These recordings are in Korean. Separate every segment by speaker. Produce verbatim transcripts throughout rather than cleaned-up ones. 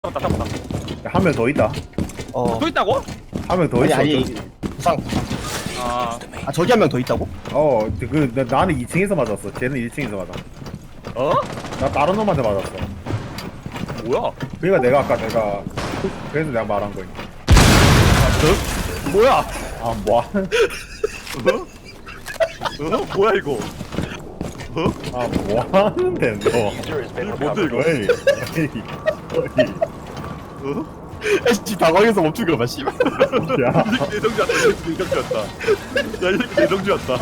Speaker 1: 잡았다 잡았다.
Speaker 2: 한 명 더 있다.
Speaker 3: 어.
Speaker 1: 또 있다고?
Speaker 2: 한 명 더
Speaker 3: 아니
Speaker 2: 있어.
Speaker 3: 아니
Speaker 2: 저기.
Speaker 3: 부상 부상.
Speaker 1: 아,
Speaker 3: 아 저기 한 명 더 있다고?
Speaker 2: 어, 그 나, 나는 이 층에서 맞았어. 쟤는 일 층에서 맞아.
Speaker 1: 어?
Speaker 2: 나 다른 놈한테 맞았어.
Speaker 1: 뭐야?
Speaker 2: 그러니까 내가 아까 내가 그래서 내가 말한 거야.
Speaker 1: 뭐야?
Speaker 2: 아, 뭐?
Speaker 1: 어? 어? 뭐야 이거? 어?
Speaker 2: 아, 뭐 하는데 너?
Speaker 1: 뭔데 이거?
Speaker 2: 어이, 어이,
Speaker 1: 어?
Speaker 3: 에이씨 당황해서 멈춘 거봐 씨발.
Speaker 2: 어이. 야,
Speaker 1: 이 새끼 내정주 왔다. 이 새끼 내정주 왔다. 야, 이 새끼 내정주 왔다.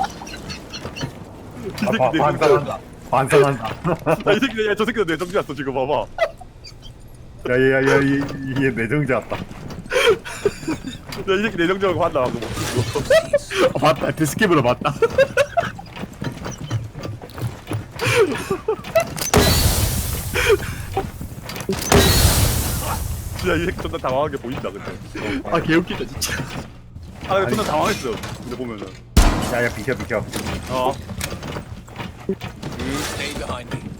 Speaker 1: 이
Speaker 2: 아,
Speaker 1: 새끼
Speaker 2: 바,
Speaker 1: 내정주 왔다.
Speaker 2: 반성한다. 반성한다.
Speaker 1: 야, 이 새끼, 야, 저 새끼도 내정주 왔어 지금 봐봐.
Speaker 2: 야, 야, 야, 야, 이- 이게 내정자 왔다.
Speaker 1: 야, 이 새끼 내정주하고 한다 방금 멈춘 거.
Speaker 3: 아, 맞다 데스캡으로 맞다.
Speaker 1: 진짜 이 새끼 존나 당황한 게 보인다 근데.
Speaker 3: 아 개웃기다 진짜.
Speaker 1: 아, 근데 존나 당황했어. 근데 보면은.
Speaker 2: 야, 야, 비켜, 비켜.
Speaker 1: 어.
Speaker 4: Stay behind me.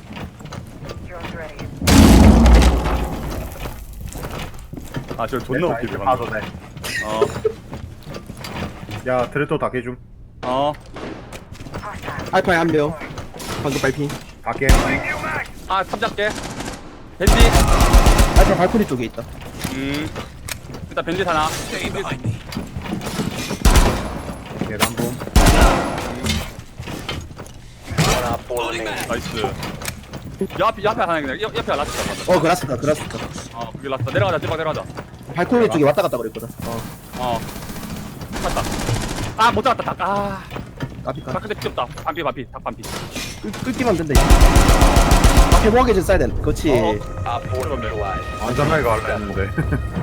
Speaker 1: 아, 저 존나
Speaker 2: 야,
Speaker 1: 웃기네
Speaker 2: 이제
Speaker 1: 방금.
Speaker 2: 봐도 돼.
Speaker 1: 어.
Speaker 2: 야, 트레토 다 깨줌.
Speaker 1: 어.
Speaker 3: 알파에 한 명. 방금 발핀.
Speaker 2: 다 깨.
Speaker 1: 아, 탑잡게. 벤지.
Speaker 3: 알파 발코니 쪽에 있다.
Speaker 1: 음. 일단 벤지 하나.
Speaker 4: Stay behind me.
Speaker 2: 계단 봄.
Speaker 1: 나이스. 야, 앞에, 옆에 하나 있네. 옆, 옆에 라스트 잡았다.
Speaker 3: 어 그라스다 그라스다.
Speaker 1: 어, 그게 라스트. 내려가자, 제발 내려가자.
Speaker 3: 발코니 쪽에 왔다 갔다 그랬거든. 어.
Speaker 1: 어. 갔다. 아, 못 잡았다, 닭. 아.
Speaker 3: 까비까.
Speaker 1: 닭 근데 귀엽다. 반피, 반피. 닭 반피.
Speaker 3: 끌기만 된다 이제. 앞에 모하게 좀 써야 돼. 그렇지.
Speaker 1: 어.
Speaker 4: Op four
Speaker 1: 그러네.
Speaker 4: neutralized.
Speaker 2: 안전하게 갈라 했는데.